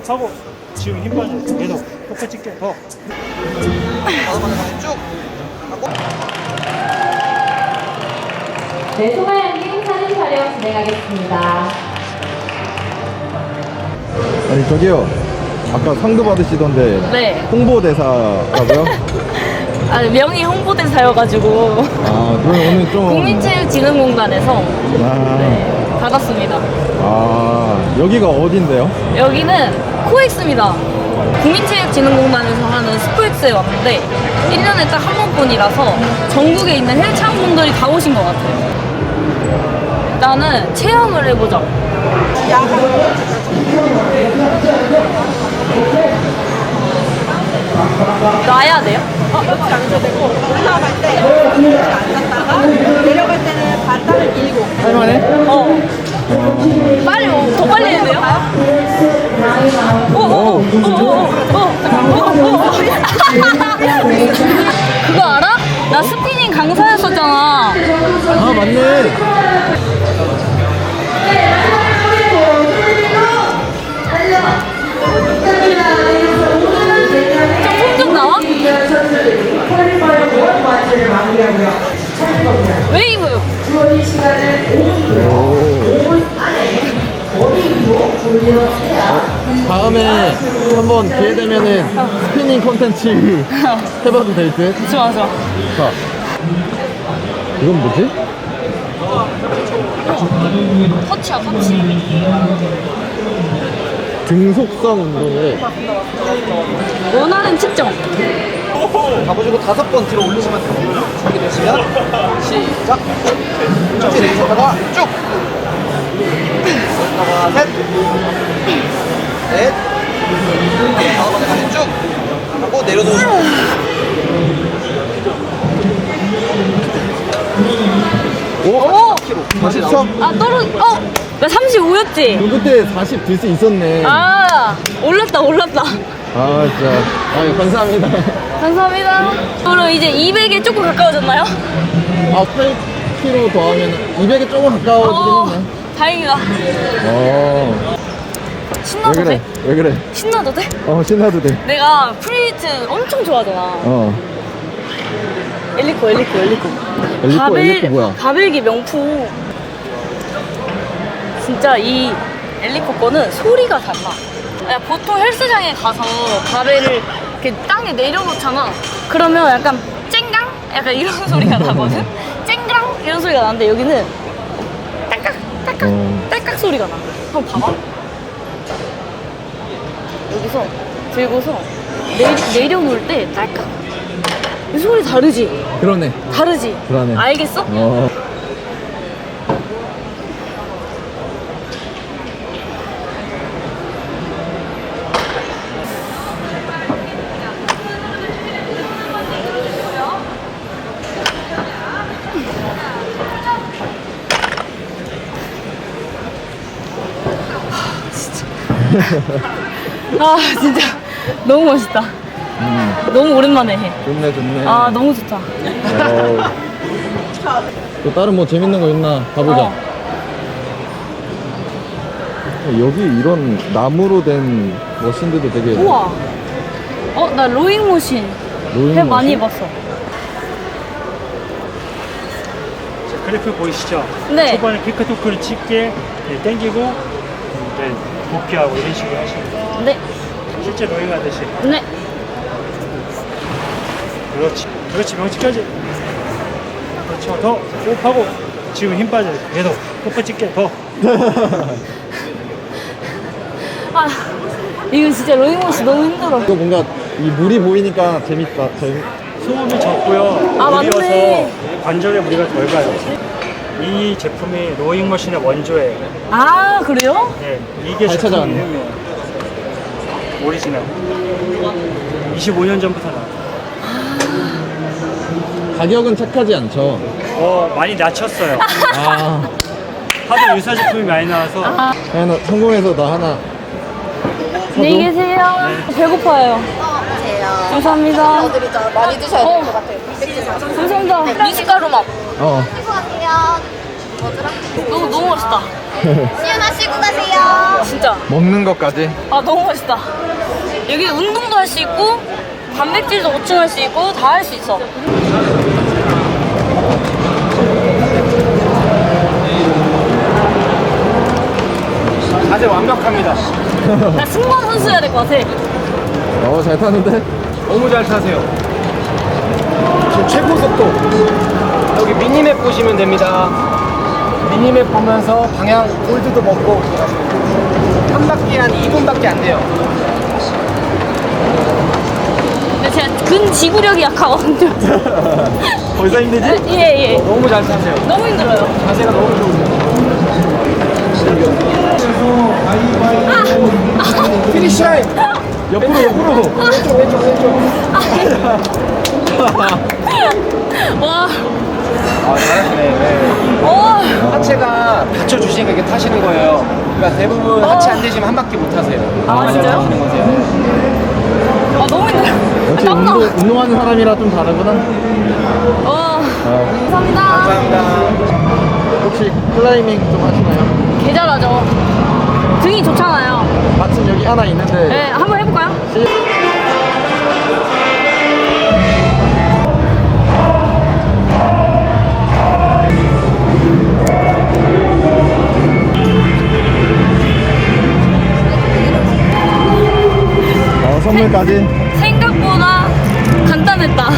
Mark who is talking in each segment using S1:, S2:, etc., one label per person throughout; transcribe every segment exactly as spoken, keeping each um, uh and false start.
S1: 호흡하고 지금 힘 빠져. 계속 똑같이 찍게 더.
S2: 다섯 번 다시 쭉 하고.
S3: 네, 소마양님 사진 촬영 진행하겠습니다.
S4: 아니 저기요, 아까 상도 받으시던데
S5: 네.
S4: 홍보대사라고요?
S5: 아, 명의 홍보대사여가지고
S4: 아 그럼 오늘 좀
S5: 국민체육진흥공단에서
S4: 아,
S5: 네, 받았습니다.
S4: 아 여기가 어딘데요?
S5: 여기는 코엑스입니다. 국민체육진흥공단에서 하는 스포엑스에 왔는데 일 년에 딱 한 번뿐이라서 전국에 있는 헬창분들이 다 오신 것 같아요. 일단은 체험을 해보자. 놔야 돼요?
S6: 어, 이렇게 앉아야 되고 올라갈 때 이렇게 앉았다가 내려갈 때는 발달을 밀고.
S4: 할만해?
S5: 어. 빨리, 오, 더 빨리 해야 돼요? 오, 오, 오, 오, 오, 오, 오, 오. 그거 알아? 나 스피닝 강사였었잖아.
S4: 아 맞네.
S5: 좀 나와? 웨이브.
S4: 다음에 한번 기회 되면은 스피닝 콘텐츠 해봐도 될 듯?
S5: 좋아, 좋아.
S4: 자, 이건 뭐지?
S5: 터치야, 터치.
S4: 등속성 운동이래.
S5: 원하는 측정.
S2: 가보시고 다섯 번 뒤로 올리시면 됩니다. 준비되시면 시작. 쭉지 내리셨다가 쭉. 하나, 셋, 넷, 다섯 번 다시 쭉 하고 내려놓으시고.
S5: 오!
S4: 사십삼?
S5: 아, 떨어, 어! 나 삼십오였지?
S4: 너 그때 사십 들 수 있었네.
S5: 아, 올랐다, 올랐다.
S4: 아 진짜. 아 감사합니다.
S5: 감사합니다. 그럼 이제 이백에 조금 가까워졌나요?
S4: 아 팔 킬로그램 더하면 이백에 조금 가까워지긴 했네.
S5: 다행이다.
S4: 어. 왜
S5: 신나도
S4: 그래?
S5: 돼?
S4: 왜 그래?
S5: 신나도 돼?
S4: 어 신나도 돼.
S5: 내가 프리히트 엄청 좋아하잖아.
S4: 어.
S5: 엘리코, 엘리코, 엘리코.
S4: 엘리코,
S5: 바벨,
S4: 엘리코 뭐야?
S5: 바벨기 명품. 진짜 이 엘리코 거는 소리가 달라. 야, 보통 헬스장에 가서 바벨을 이렇게 땅에 내려놓잖아. 그러면 약간 쨍강? 약간 이런 소리가 나거든? 쨍강? 이런 소리가 나는데 여기는 딸깍, 딸깍,
S4: 어.
S5: 딸깍 소리가 나. 한번 봐봐. 여기서 들고서 내리, 내려놓을 때 딸깍. 이 소리 다르지?
S4: 그러네.
S5: 다르지?
S4: 그러네.
S5: 알겠어?
S4: 어.
S5: 아 진짜 너무 멋있다.
S4: 음.
S5: 너무 오랜만에 해.
S4: 좋네 좋네.
S5: 아 너무 좋다.
S4: 어. 또 다른 뭐 재밌는 거 있나 가보자.
S5: 어.
S4: 여기 이런 나무로 된 머신들도 되게.
S5: 우와. 어 나 로잉 머신
S4: 로잉
S5: 해 많이
S4: 머신?
S5: 해봤어.
S1: 그래프 보이시죠?
S5: 네.
S1: 초반에 피크 토크를 찍게 네, 당기고 네, 복귀하고 이런 식으로 하시면 돼요.
S5: 네.
S1: 실제 로잉 하듯이.
S5: 네.
S1: 그렇지. 그렇지. 명치까지. 그렇죠. 더 호흡하고 지금 힘 빠져. 계속 호흡 찍게 더.
S5: 아 이거 진짜 로잉 머신 너무 힘들어.
S4: 이거 뭔가 이 물이 보이니까 재밌다. 재밌.
S1: 소음이 적고요.
S5: 아,
S1: 물이어서
S5: 맞네.
S1: 관절에 무리가 덜 가요. 이 제품이 로잉 머신의 원조예요.
S5: 아 그래요?
S1: 네, 이게
S4: 잘
S1: 제품
S4: 찾아왔네.
S1: 이름이에요. 오리지널. 이십오 년 전부터 나와요.
S4: 가격은 착하지 않죠.
S1: 어, 많이 낮췄어요.
S4: 아.
S1: 하도 유사 제품이 많이 나와서
S5: 아
S4: 하나 성공해서 나 하나.
S5: 안녕히 계세요. 배고파요. 감사합니다.
S6: 드리죠. 많이 드셔야
S5: 어.
S6: 될 것 같아요.
S5: 감사합니다. 미숫가루 맛.
S4: 어.
S6: 수고하세요.
S5: 너무 너무 멋있다.
S3: 수연하시고 가세요.
S5: 진짜.
S4: 먹는 것까지.
S5: 아 너무 멋있다. 여기 운동도 할 수 있고 단백질도 보충할 수 있고 다 할 수 있어.
S2: 자세 완벽합니다.
S5: 나 승무원 선수여야 될 것 같아.
S4: 어, 잘 타는데?
S2: 너무 잘 타세요. 지금 최고 속도. 여기 미니맵 보시면 됩니다. 미니맵 보면서 방향 홀드도 먹고 한 바퀴 한 이 분밖에 안 돼요.
S5: 근데 제가 근지구력이 약하거든요.
S4: 벌써 힘들지?
S5: 예예.
S2: 너무 잘 타세요.
S5: 너무 힘들어요.
S2: 자세가 너무 좋으세요. 피니시 라인.
S4: 옆으로, 옆으로.
S2: 왼쪽 왼쪽 왼쪽.
S5: 와.
S2: 아 잘하시네. 네.
S5: 와.
S2: 하체가 받쳐주시니까 이렇게 타시는 거예요. 그러니까 대부분 하체 안 되시면 한 바퀴 못 타세요.
S5: 아, 진짜요?
S2: 타시는 거세요.
S5: 아 너무 힘들어.
S4: 역시
S5: 땀나.
S4: 운동, 운동하는 사람이라 좀 다르구나.
S5: 와.
S4: 어.
S5: 감사합니다.
S2: 감사합니다.
S4: 혹시 클라이밍 좀 하시나요?
S5: 개 잘하죠. 등이 좋잖아요.
S4: 마침 여기 하나 있는데.
S5: 네, 한번 해볼까요?
S4: 어, 선물까지.
S5: 생각보다 간단했다.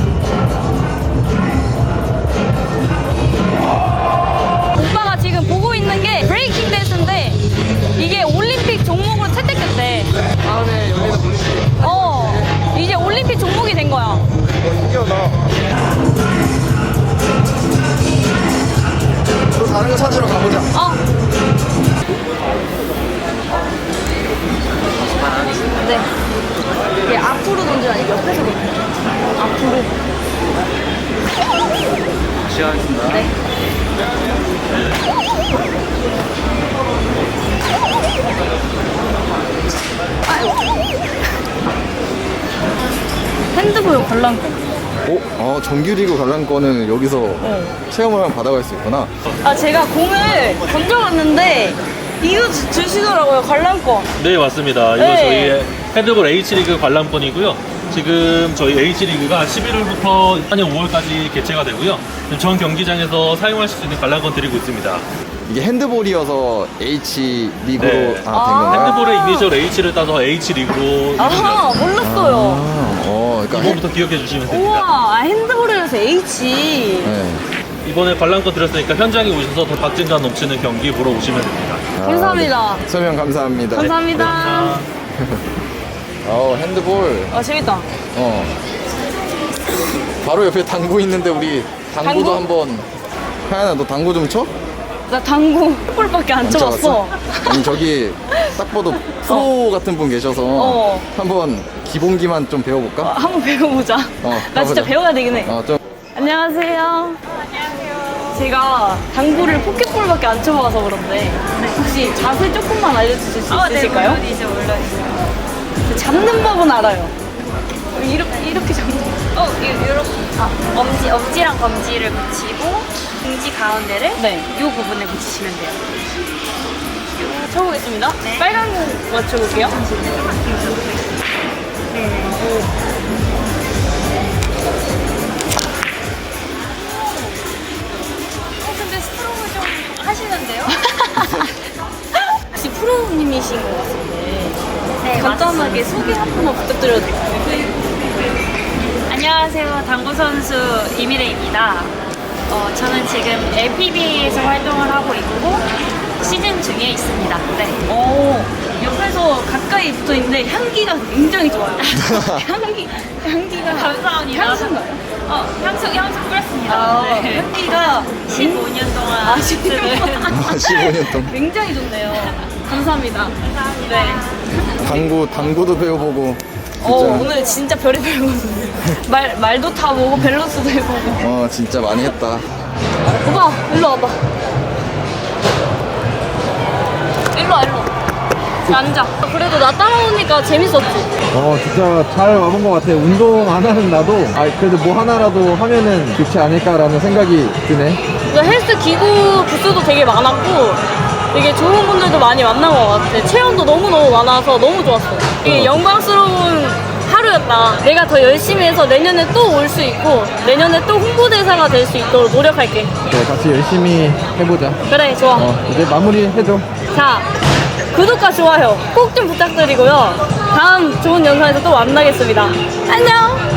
S5: 오빠가 지금 보고 있는 게 브레이킹 댄스인데 이게 올림픽 종목으로 채택됐대.
S2: 다음에 열리는 올림픽.
S5: 어, 이제 올림픽 종목이 된 거야.
S2: 신기하다. 또 다른 거 찾으러 가보자.
S5: 어. 네. 이게 앞으로 던지는 아니고 옆에서 던져. 앞으로.
S2: 시작하겠습니다.
S5: 네. 아이고. 핸드볼 관람권.
S4: 오, 어, 정규리그 관람권을 여기서 체험을 하면 받아갈 수 있구나.
S5: 아, 제가 공을 던져봤는데 이거 주- 주시더라고요, 관람권.
S7: 네, 맞습니다. 이거
S5: 네.
S7: 저희 헤드볼 H리그 관람권이고요. 지금 저희 H리그가 십일월부터 내년 오월까지 개최가 되고요. 전 경기장에서 사용하실 수 있는 관람권 드리고 있습니다.
S4: 이게 핸드볼이어서 H 리그로
S7: 네.
S4: 아, 된
S5: 아.
S4: 건가요?
S7: 핸드볼의 이니셜 H를 따서 H리그로
S5: 아,
S7: 이름이
S5: 몰랐어요.
S4: 아, 어, 그러니까 핸-
S7: 이번부터 기억해 주시면 됩니다.
S5: 우와, 아, 핸드볼이라서 H.
S4: 네.
S7: 이번에 관람권 드렸으니까 현장에 오셔서 더 박진감 넘치는 경기 보러 오시면 됩니다.
S4: 아,
S5: 감사합니다.
S4: 네. 설명 감사합니다.
S5: 감사합니다.
S4: 어, 핸드볼.
S5: 아, 재밌다.
S4: 어. 바로 옆에 당구 있는데 우리 당구도
S5: 당구?
S4: 한번. 하연아, 너 당구 좀 쳐?
S5: 나 당구 볼밖에 안 쳐봤어.
S4: 쳐봤어? 아니 저기 딱 봐도 프로 같은 분 계셔서
S5: 어.
S4: 한번 기본기만 좀
S5: 어,
S4: 배워볼까?
S5: 한번 배워보자.
S4: 어,
S5: 나 진짜
S4: 가보자.
S5: 배워야 되긴 해.
S4: 어, 좀.
S5: 안녕하세요. 안녕하세요. 제가 당구를 포켓볼밖에 안 쳐봐서 그런데 혹시 자세 조금만 알려주실 수 있으실까요? 네, 물론이죠, 물론이죠. 잡는 법은 알아요. 이렇게 이렇게 잡는.
S8: 어, 이렇게 아, 엄지 엄지랑 검지를 붙이고 중지 가운데를
S5: 네.
S8: 이 부분에 붙이시면 돼요.
S5: 쳐보겠습니다.
S8: 네.
S5: 빨간 공 맞춰볼게요.
S8: 어, 근데 스트로크 좀 하시는데요?
S5: 혹시 프로님이신 것 같은데
S8: 네,
S5: 간단하게 소개 한 번만 부탁드려도 될까요?
S8: 안녕하세요, 당구 선수 이미래입니다. 어, 저는 지금 엘피비에이에서 활동을 하고 있고 시즌 중에 있습니다. 네.
S5: 어, 옆에서 가까이 붙어 있는데 향기가 굉장히 좋아요. 향기, 향기가
S8: 감사합니다.
S5: 향수인가요?
S8: 어, 향수 향수 뿌렸습니다.
S5: 아,
S8: 네.
S5: 향기가
S8: 십오 년 동안
S5: 아, 십오 년
S8: 네.
S4: 아, 십오 년 동안.
S5: 굉장히 좋네요. 감사합니다.
S8: 감사합니다.
S5: 네.
S4: 당구, 당구도 배워보고. 진짜.
S5: 어, 오늘 진짜 별의별 거. 말, 말도 타보고 밸런스도 해보고.
S4: 어, 진짜 많이 했다.
S5: 오빠, 일로 와봐. 일로 와, 일로 와. 앉아. 그래도 나 따라오니까 재밌었지.
S4: 어 진짜 잘 와본 것 같아. 운동 안 하는 나도 아 그래도 뭐 하나라도 하면은 좋지 않을까라는 생각이 드네.
S5: 그 헬스 기구 부스도 되게 많았고 되게 좋은 분들도 많이 만난 것 같아. 체험도 너무너무 많아서 너무 좋았어. 이게 영광스러운 하루였다. 내가 더 열심히 해서 내년에 또 올 수 있고 내년에 또 홍보대사가 될 수 있도록 노력할게.
S4: 네, 같이 열심히 해보자.
S5: 그래, 좋아.
S4: 어 이제 마무리 해줘.
S5: 자, 구독과 좋아요 꼭 좀 부탁드리고요. 다음 좋은 영상에서 또 만나겠습니다. 안녕!